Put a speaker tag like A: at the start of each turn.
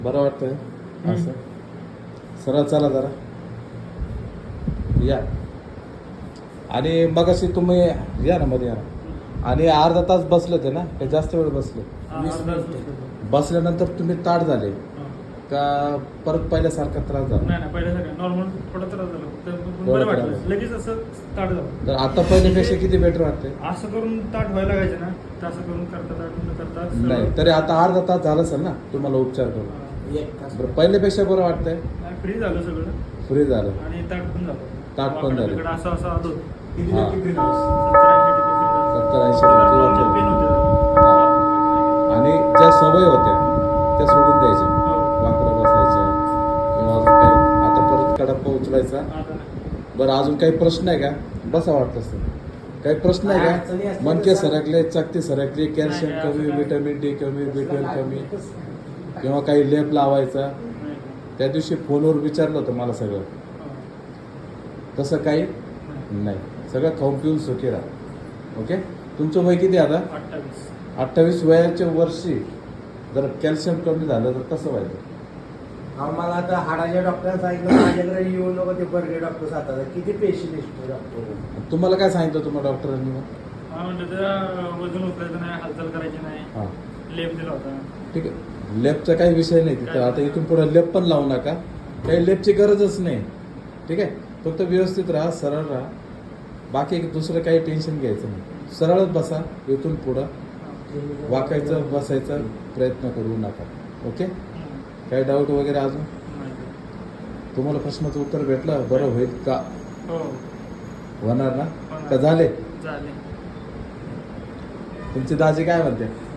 A: बरं वाटतंय असं सरळ चला जरा या. आणि मगाशी तुम्ही या ना मध्ये या ना. आणि अर्धा तास बसले ते ना का जास्त वेळ बसले? बसल्यानंतर तुम्ही ताट झाले का परत पहिल्यासारखा त्रास झाला?
B: नाही पहिल्यासारखं नॉर्मल थोडा त्रास झाला तर
A: थोडा
B: बरं
A: त्रास
B: वाटलं
A: झाला.
B: लगेच असं ताट झालं.
A: तर आता पहिल्यापेक्षा किती बेटर वाटते?
B: असं करून ताट व्हायला लागायचे ना तर असं करून करता ताट न करता
A: नाही तरी आता अर्धा तास झाला असेल ना तुम्हाला उपचार करून. बरं पहिल्यापेक्षा बरं वाटतंय?
B: फ्री झालं सगळं
A: फ्री झालं
B: आणि ताट पण झालं.
A: ताट पण झालं.
B: वाकडाकडं असं असं आलो
A: हा.
B: 70-80%
A: पेन होते. आणि ज्या सवय होत्या त्या सोडून द्यायच्या. वाकडं बसायच्या किंवा अजून काही आता परत कडप्पा उचलायचा. बरं अजून काही प्रश्न आहे का? बसा वाटत असतं काही प्रश्न आहे का? मणके सरकले, चकती सरकली, कॅल्शियम कमी, विटॅमिन डी कमी, B12 कमी किंवा काही लेप लावायचा. त्या दिवशी फोनवर विचारलं होतं मला सगळं. तसं काही नाही, सगळं खाऊन पिऊन सुखी राहा. ओके. तुमचं वय किती आता? 28 वयाच्या वर्षी जर कॅल्शियम कमी झालं तर कसं व्हायचं?
C: मला आता हाडाच्या डॉक्टरांनी सांगितलं माझ्याकडे येऊ नको ते बर्गे डॉक्टर सातारा किती पेशंट डॉक्टर.
A: तुम्हाला काय सांगितलं तुम्हाला डॉक्टरांनी? मग
B: म्हणलं त्याला वजन उचलायचं नाही, हालचाल करायची नाही,
A: हां
B: लेप दिला होता.
A: ठीक आहे. लेपचा काही विषय नाही तिथं. आता इथून पुढे लेप पण लावू नका, काही लेपची गरजच नाही. ठीक आहे. फक्त व्यवस्थित राहा, सरळ राहा, बाकी दुसरं काही टेन्शन घ्यायचं नाही. सरळच बसा. इथून पुढं वाकायचं बसायचं प्रयत्न करू नका. ओके. काही डाऊट वगैरे अजून? तुम्हाला प्रश्नाचं उत्तर भेटलं? बरं होईल का? होणार ना? का झाले?
B: झाले.
A: तुमची दाजी काय म्हणते?